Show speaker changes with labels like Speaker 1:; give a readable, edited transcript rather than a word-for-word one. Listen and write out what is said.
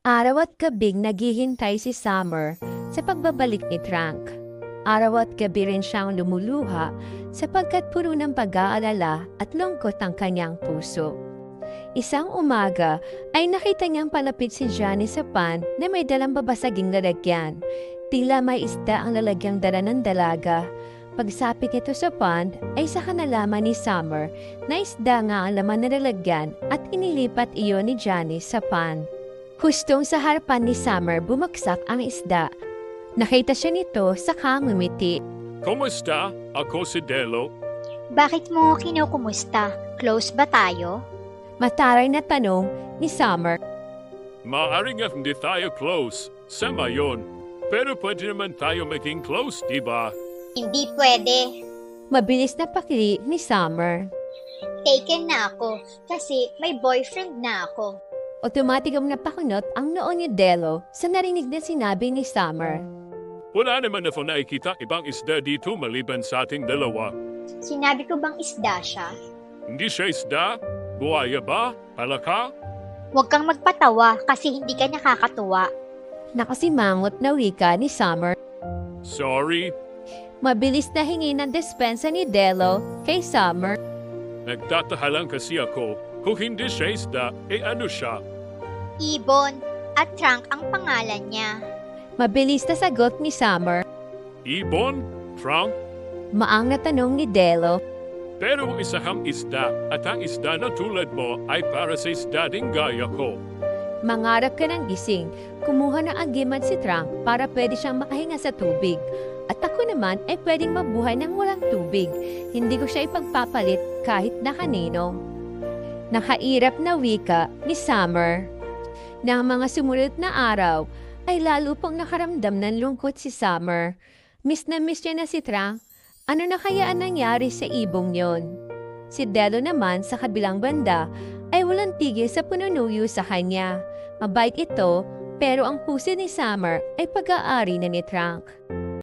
Speaker 1: Araw at gabing naghihintay si Summer sa pagbabalik ni Trunk. Araw at gabi rin siyang lumuluha sapagkat puro ng pag-aalala at lungkot ang kanyang puso. Isang umaga ay nakita niyang palapit si Johnny sa pan na may dalang babasaging lalagyan. Tila may isda ang lalagyang dala ng dalaga. Pagsapit ito sa pond ay saka nalaman ni Summer na isda nga ang laman na lalagyan at inilipat iyon ni Johnny sa pond. Hustong sa harapan ni Summer bumagsak ang isda. Nakita siya nito saka ngumiti.
Speaker 2: Kumusta? Ako si Delo.
Speaker 3: Bakit mo kinukumusta? Close ba tayo?
Speaker 1: Mataray na tanong ni Summer.
Speaker 2: Maaring nga hindi tayo close. Sama yun. Pero pwede naman tayo maging close, di ba?
Speaker 3: Hindi pwede.
Speaker 1: Mabilis na pakili ni Summer.
Speaker 3: Taken na ako kasi may boyfriend na ako.
Speaker 1: Otomatikong napakunot ang noo ni Delo sa narinig na sinabi ni Summer.
Speaker 2: Wala naman ako nakikita ibang isda dito maliban sa ating dalawa.
Speaker 3: Sinabi ko bang isda siya?
Speaker 2: Hindi siya isda? Buhaya ba? Palaka?
Speaker 3: Huwag kang magpatawa kasi hindi ka nakakatuwa.
Speaker 1: Nakasimangot na wika ni Summer.
Speaker 2: Sorry.
Speaker 1: Mabilis na hingi ng despensa ni Delo kay Summer.
Speaker 2: Nagtataha lang kasi ako. Kung hindi siya isda, ano siya?
Speaker 3: Ibon at Trunk ang pangalan niya.
Speaker 1: Mabilis na sagot ni Summer.
Speaker 2: Ibon? Trunk?
Speaker 1: Maang na tanong ni Delo.
Speaker 2: Pero isa kang isda at ang isda na tulad mo ay para sa isda ding gaya ko.
Speaker 1: Mangarap ka ng gising. Kumuha ng agiman si Trunk para pwede siyang makahinga sa tubig. At ako naman ay pwedeng mabuhay ng walang tubig. Hindi ko siya ipagpapalit kahit na kanino. Nakairap na wika ni Summer. Nang mga sumunod na araw, ay lalo pang nakaramdam ng lungkot si Summer. Miss na miss niya na si Trunk. Ano na kaya ang nangyari sa ibong yon? Si Delo naman sa kabilang banda ay walang tigil sa pununuyo sa kanya. Mabait ito, pero ang puso ni Summer ay pag-aari na ni Trunk.